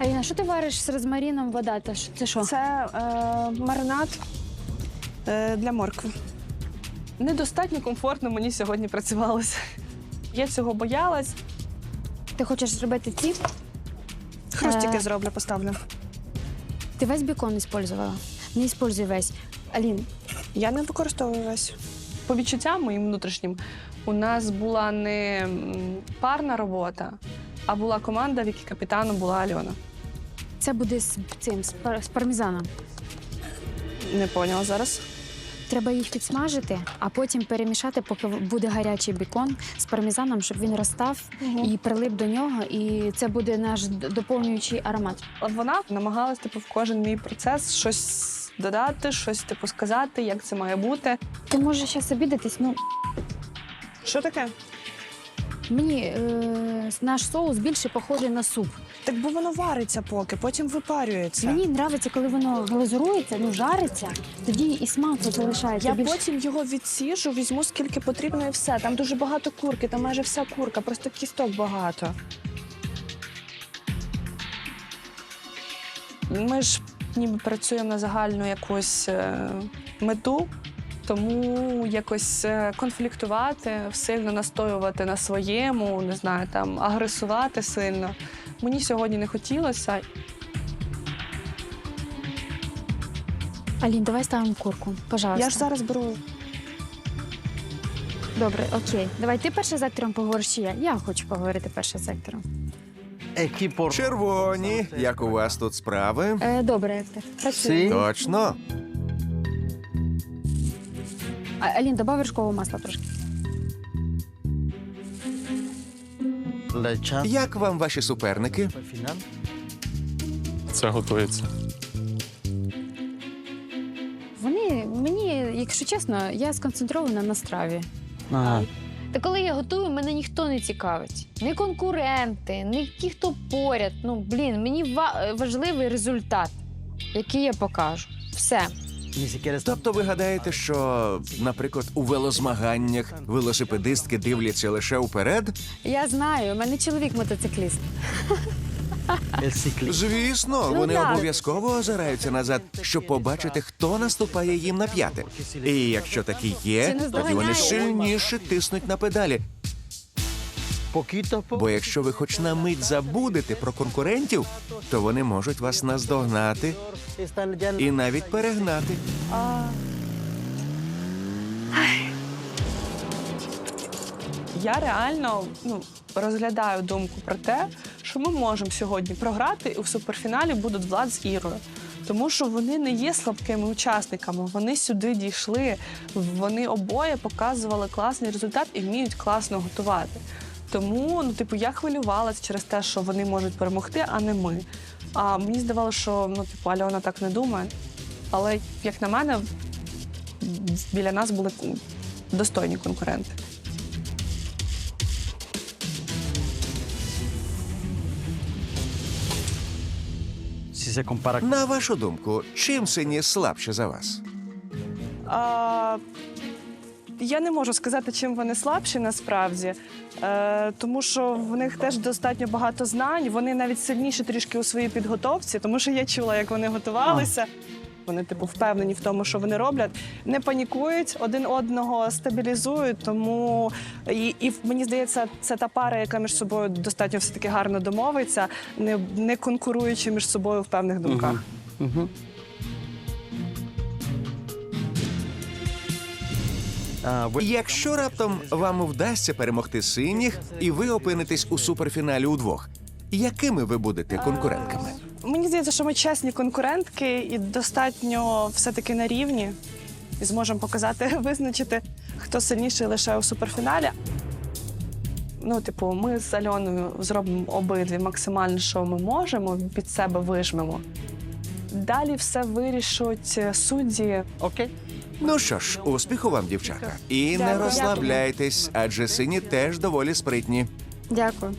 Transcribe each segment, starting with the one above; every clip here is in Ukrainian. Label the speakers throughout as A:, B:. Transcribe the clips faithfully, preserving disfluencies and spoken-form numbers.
A: Аліна, що ти вариш з розмаріном, вода? Та що- Це що?
B: Це е, маринад е, для моркви. Недостатньо комфортно мені сьогодні працювалося. Я цього боялась.
A: Ти хочеш зробити ці?
B: Хрустики
A: Е.
B: зроблю, поставлю.
A: Ти весь бікон використовувала? Не використовуй весь. Алін,
B: Я не використовую весь. По відчуттям моїм внутрішнім, у нас була не м, парна робота, а була команда, в якій капітаном була Альона.
A: це буде з цим, з, пар- з пармезаном.
B: Не поняла зараз.
A: Треба їх підсмажити, а потім перемішати, поки буде гарячий бікон з пармезаном, щоб він розстав і прилип до нього. І це буде наш д- доповнюючий аромат.
B: От вона намагалась типу, в кожен мій процес щось додати, щось типу сказати, як це має бути.
A: Ти можеш зараз обідатись, ну,
B: Що таке?
A: мені е, наш соус більше похожий на суп.
B: Так бо воно вариться поки, потім випарюється.
A: Мені подобається, коли воно глазурується, ну жариться, тоді і смак от залишається.
B: Я
A: більш...
B: потім його відсіжу, візьму скільки потрібно і все. Там дуже багато курки, там майже вся курка, просто кісток багато. Ми ж ніби працюємо на загальну якусь е, мету, тому якось е, конфліктувати, сильно настоювати на своєму, не знаю, там агресувати сильно. Мені сьогодні не хотілося.
A: Алін, давай ставимо курку, пожалуйста.
B: Я ж зараз беру.
A: Добре, окей. Давай ти перше з актором поговориш, чи я? Я хочу поговорити перше з актором.
C: Червоні, як у вас тут справи?
A: Е, добре, актор. Працюй.
C: Точно.
A: А, Алін, добав вершкового масла трошки.
C: Як вам ваші суперники?
D: Це готується.
A: Вони, мені, якщо чесно, я сконцентрована на страві.
E: Ага.
A: Та коли я готую, мене ніхто не цікавить. Ні конкуренти, ні ті, хто поряд. Ну, блін, мені ва- важливий результат, який я покажу. Все.
C: Тобто ви гадаєте, що, наприклад, у велозмаганнях велосипедистки дивляться лише вперед?
A: Я знаю, у мене чоловік мотоцикліст.
C: Звісно,
A: Ну,
C: вони
A: так.
C: обов'язково озираються назад, щоб побачити, хто наступає їм на п'яти. І якщо такі
A: Це
C: є,
A: не
C: тоді
A: здоганяє.
C: вони сильніше тиснуть на педалі. Бо якщо ви хоч на мить забудете про конкурентів, то вони можуть вас наздогнати і навіть перегнати.
B: Я реально ну, розглядаю думку про те, що ми можемо сьогодні програти, і в суперфіналі будуть Влад з Ірою. Тому що вони не є слабкими учасниками, вони сюди дійшли, вони обоє показували класний результат і вміють класно готувати. Тому, ну, типу, я хвилювалася через те, що вони можуть перемогти, а не ми. А мені здавалося, що ну, типу, Альона так не думає. Але, як на мене, біля нас були достойні конкуренти.
C: На вашу думку, чим сині слабші за вас?
B: А, я не можу сказати, чим вони слабші насправді, е, тому що в них теж достатньо багато знань. Вони навіть сильніші трішки у своїй підготовці, тому що я чула, як вони готувалися. Вони, типу, впевнені в тому, що вони роблять, не панікують, один одного стабілізують. Тому і, і мені здається, це та пара, яка між собою достатньо все-таки гарно домовиться, не, не конкуруючи між собою в певних думках.
E: Угу.
C: Якщо раптом вам вдасться перемогти синіх, і ви опинитесь у суперфіналі удвох, якими ви будете конкурентками?
B: Мені здається, що ми чесні конкурентки і достатньо все-таки на рівні. І зможемо показати, визначити, хто сильніший лише у суперфіналі. Ну, типу, ми з Альоною зробимо обидві максимально, що ми можемо, під себе вижмемо. Далі все вирішуть судді.
E: Окей.
C: Ну що ж, успіху вам, дівчата. І не
B: Дякую.
C: розслабляйтесь, адже сині теж доволі спритні.
A: Дякую.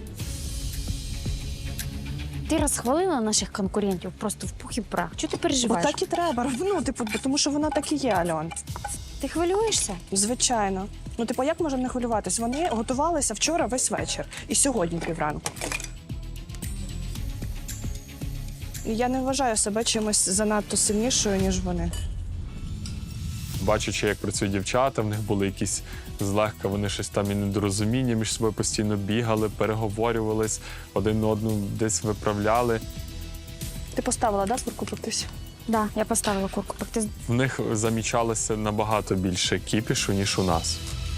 A: Ти розхвалила наших конкурентів просто в пух і прах. Чого ти
B: Бо
A: переживаєш?
B: так і треба. Ну, типу, тому що вона так і є, Альон.
A: Ти хвилюєшся?
B: Звичайно. Ну, типу, як можемо не хвилюватись? Вони готувалися вчора весь вечір і сьогодні півранку. Я не вважаю себе чимось занадто сильнішою, ніж вони.
D: Бачачи, як працюють дівчата, в них були якісь злегка, вони щось там і недорозуміння між собою постійно бігали, переговорювались, один одного десь виправляли.
B: Ти поставила, да, курку пектись?
A: Да, я поставила курку пекти.
D: В них замічалося набагато більше кіпішу, ніж у нас.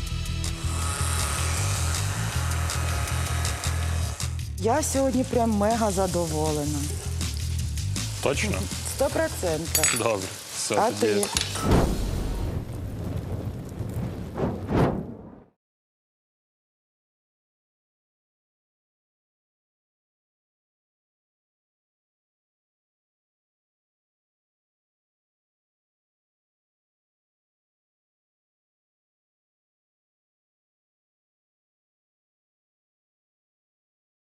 E: Я сьогодні прям мега задоволена.
D: Точно?
E: Сто процентів.
D: Добре. Все,
E: А
D: тоді
E: ти?